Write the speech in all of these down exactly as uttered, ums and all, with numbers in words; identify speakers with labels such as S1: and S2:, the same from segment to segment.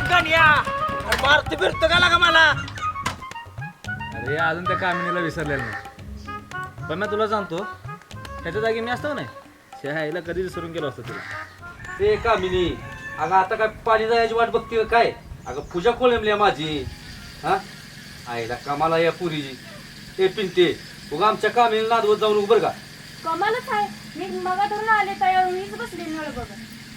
S1: गण्या अरे मारतो फिरतो का लागा मला?
S2: अरे अजून त्या कामिनीला विसरलेलं नाही, पण मी तुला सांगतो त्याच्या जागी मी असतो नाही शहाईला कधी विसरून गेलो असतो तुला.
S3: ते कामिनी अगं आता काय पाणी जायची वाट बघते काय? अगं पूजा कोळंबली माझी. हा आईला कामाला या पुरीची ते पिंटे उगा आमच्या कामिनी नादवत जाऊन उभं बरं का.
S4: कमालच आहे, मी मगा धरून आले तयार मीच बसले नळ बघ.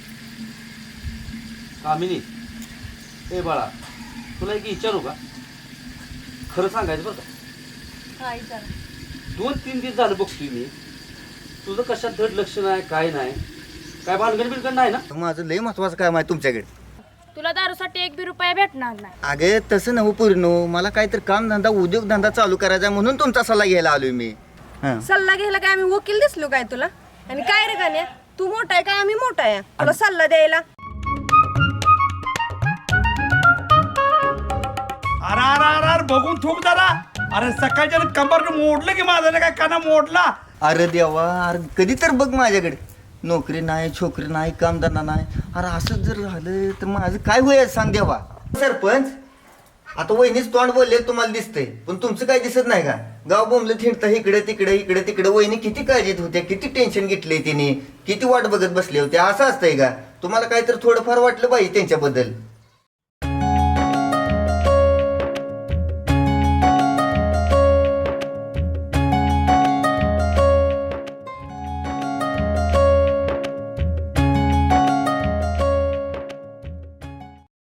S3: कामिनी ए बाळा तुला एक विचारू का? खरं सांगायचं बरं का,
S4: काय तर
S3: दोन तीन दिवस झालं बघतोय मी तुझं कशात धड लक्ष नाही काय नाही, काय भानगड बिनगड नाही ना?
S5: माझं लय महत्वाचं काम आहे तुमच्याकडे.
S4: तुला दारूसाठी एक बी रुपया भेटणार नाही.
S5: अगे तसं नव्ह पूर्ण, मला काहीतरी काम धंदा उद्योगधंदा चालू करायचा आहे म्हणून तुमचा सल्ला घ्यायला आलोय मी. हां
S6: सल्ला घ्यायला काय आम्ही वकील दिसलो काय तुला? आणि काय रे गाण्या, तू मोठा आहे काय आम्ही मोठा आहे तुला सल्ला द्यायला?
S1: अरे अरे अरे अरे बघून थूक जरा. अरे सकाळच्या कंबर मोडलं की माझं काय काना मोडला.
S5: अरे देवा, अरे कधी तर बघ माझ्याकडे, नोकरी नाही छोकरी नाही कामधंदा नाही. अरे असं जर झालं तर माझं काय होईल सांग देवा. सरपंच आता वहिनीच तोंड बोलले तुम्हाला दिसतंय, पण तुमचं काय दिसत नाही का? गाव बोंबलं थिंडता इकडे तिकडे इकडे तिकडे. वहिनी किती काळजीत होत्या, किती टेन्शन घेतलंय तिने, किती वाट बघत बसले होते. असं असतंय का? तुम्हाला काहीतरी थोडंफार वाटलं पाहिजे त्यांच्याबद्दल.